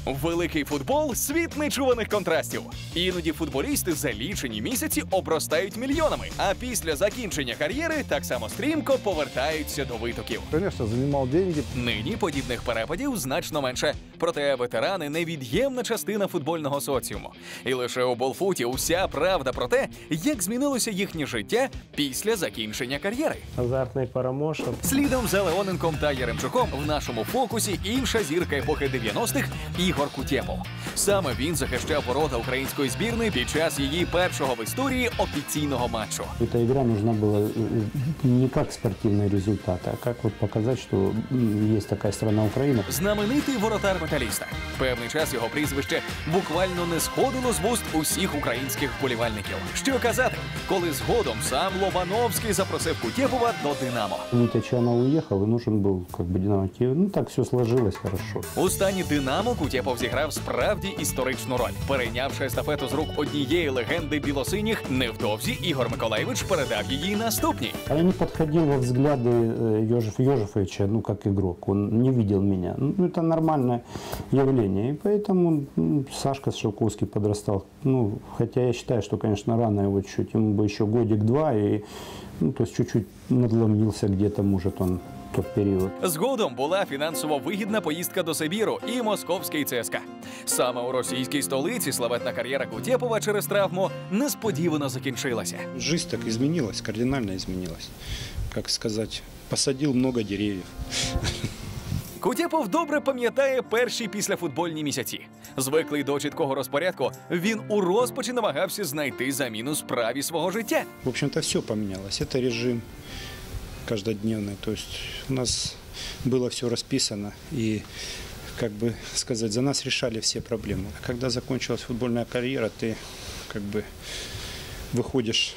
Великий футбол – світ нечуваних контрастів. Іноді футболісти за лічені місяці обростають мільйонами, а після закінчення кар'єри так само стрімко повертаються до витоків. Конечно, занимал деньги. Нині подібних перепадів значно менше. Проте ветерани – невід'ємна частина футбольного соціуму. І лише у Болфуті уся правда про те, як змінилося їхнє життя після закінчення кар'єри. Азартний Парамошин. Слідом за Леоненком та Яремчуком в нашому фокусі інша зірка епохи 90-х – Ігор Кутєпов. Саме він захищав ворота української збірної під час її першого в історії офіційного матчу. Эта игра нужна была не как спортивный результат, а как вот показать, что есть такая страна Украина. Знаменитий воротар металіста. Певний час його прізвище буквально не сходило з вуст усіх українських вболівальників. Що казати, коли згодом сам Лобановський запросив Кутєпова до «Динамо». Витя Чанов уехал, и нужен был как бы Динамо Киев. Ну так все сложилось хорошо. У стані «Динамо» Кутєпов зіграв справді історичну роль. Перейнявши естафету з рук однієї легенди білосиніх, невдовзі Ігор Миколайович передав її наступній. А я не подходил во взгляды Йожефовича, ну как игрок. Он не видел меня. Ну это нормальное явление. И поэтому Сашка Шелковский подрастал. Ну, хотя я считаю, что, конечно, рано его чуть-чуть. Ему бы еще годик-два, и то есть чуть-чуть надломился где-то, может, он тот період. Згодом була фінансово вигідна поїздка до Сибіру і московський ЦСКА. Саме у російській столиці славетна кар'єра Кутєпова через травму несподівано закінчилася. Жизнь так изменилась, кардинально изменилась. Как сказать, посадил много деревьев. Кутєпов добре пам'ятає перші післяфутбольні місяці. Звиклий до чіткого розпорядку, він у розпачі намагався знайти заміну справі свого життя. В общем-то, все поменялось. Это режим каждодневный. То есть у нас было все расписано. И, как бы сказать, за нас решали все проблемы. А когда закончилась футбольная карьера, ты как бы выходишь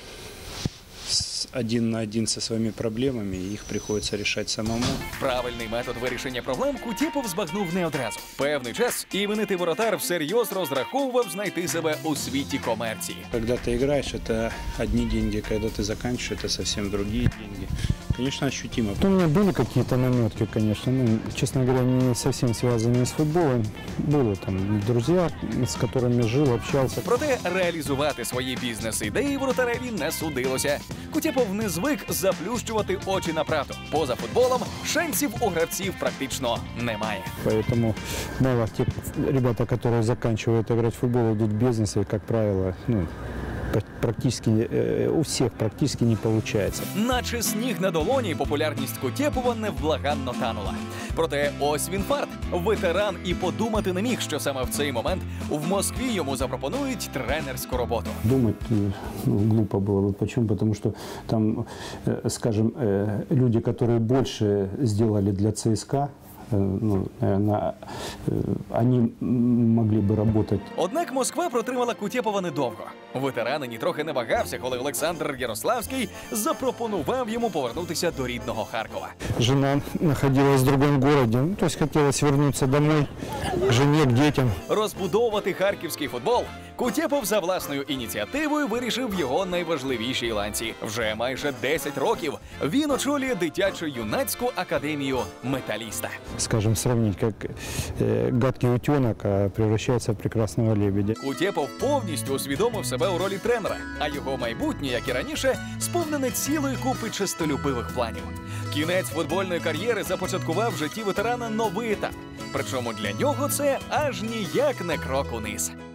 один на один со своими проблемами, и их приходится решать самому. Правильний метод вирішення проблем Кутєпов збагнув не одразу. Певний час іменитий воротар всерйоз розраховував знайти себе у світі комерції. Когда ты играешь, это одни деньги, когда ты заканчиваешь, это совсем другие деньги. Конечно, ощутимо. У меня были какие-то наметки, конечно, ну, честно говоря, не совсем связанные с футболом. Были там друзья, с которыми жил, общался. Проте реалізувати свої бізнес-ідеї воротареві не судилося. Кутєпов не звик заплющувати очі на правду. Поза футболом шансів у гравців практично немає. Поэтому мало те ребята, которые заканчивают играть в футбол, идут в бизнес, и, как правило, ну, практически у всех практически не получается. Наче сніг на долоні популярність Кутєпова невблаганно танула. Проте ось він фарт. Ветеран і подумати не міг, що саме в цей момент в Москві йому запропонують тренерську роботу. Думать глупо было бы. Почему? Потому что там, скажем, люди, которые больше сделали для ЦСКА, ну, наверное, они могли бы работать. Однак Москва протримала Кутєпова недовго. Ветеран нітрохи не вагався, коли Олександр Ярославський запропонував йому повернутися до рідного Харкова. Жена находилась в другом городе, ну, то есть хотелось вернуться домой, к жене, к детям. Розбудовувати харківський футбол Кутєпов за власною ініціативою вирішив його найважливішій ланці. Вже майже 10 років він очолює дитячо-юнацьку академію «Металіста». Скажем, сравнить, как гадкий утенок превращается в прекрасного лебедя. Кутєпов повністю усвідомив себе у ролі тренера, а його майбутнє, як і раніше, сповнене цілої купи честолюбивих планів. Кінець футбольної кар'єри започаткував в житті ветерана новий етап. Причому для нього це аж ніяк не крок униз.